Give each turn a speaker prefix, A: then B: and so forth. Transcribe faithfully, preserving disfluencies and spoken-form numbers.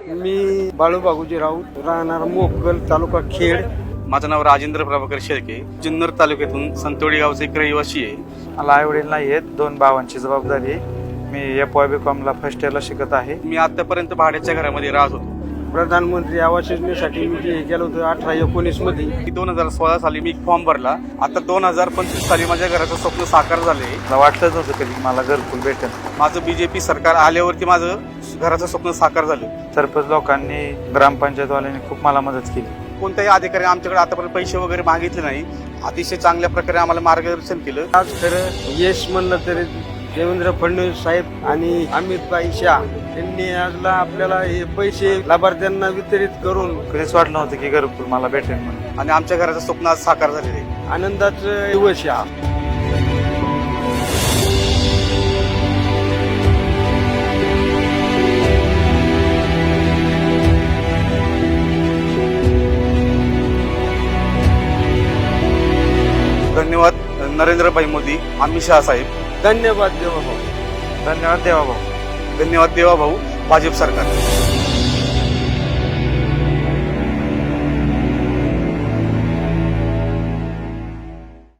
A: मी बाळू बागुजी राऊत, राहणार मोकल, तालुका खेड.
B: माझं नाव राजेंद्र प्रभाकर शेळके, जुन्नर तालुक्यातून संतोडी गावचा एक रहिवासी आहे.
C: मला आई वडील नाही आहेत, दोन भावांची जबाबदारी आहे. मी एफ वाय बी कॉमला फर्स्ट इयरला शिकत आहे.
B: मी आतापर्यंत भाड्याच्या घरामध्ये राहत होतो.
A: प्रधानमंत्री आवास योजनेसाठी मी जे गेलो होतो अठरा एकोणीस मध्ये.
B: दोन हजार सोळा साली मी फॉर्म भरला. आता दोन हजार पंचवीस साली माझ्या घराचं स्वप्न साकार झाले.
C: मला वाटलंच नव्हतं कधी मला घरकुल भेटेल.
B: माझं बीजेपी सरकार आल्यावरती माझं घराचं स्वप्न साकार झालं.
C: सरपंच लोकांनी, ग्रामपंचायतवाल्यांनी खूप मला मदत केली.
B: कोणत्याही अधिकारी आमच्याकडे आतापर्यंत पैसे वगैरे मागितले नाही. अतिशय चांगल्या प्रकारे आम्हाला मार्गदर्शन केलं.
A: आज खरं यश म्हणलं तरी देवेंद्र फडणवीस साहेब आणि अमितभाई शाह यांनी आजला आपल्याला हे पैसे लाभार्थ्यांना वितरित करून
C: कधीच वाटलं नव्हतं की घरकुल मला भेटेल म्हणून.
B: आणि आमच्या घराचं स्वप्न आज साकार झालेलं आहे.
A: आनंदाचं दिवस आहे हा.
B: धन्यवाद नरेंद्रभाई मोदी, अमित शहा साहेब.
A: धन्यवाद देवा भाऊ.
C: धन्यवाद देवा भाऊ.
B: धन्यवाद देवा भाऊ, भाजप सरकार.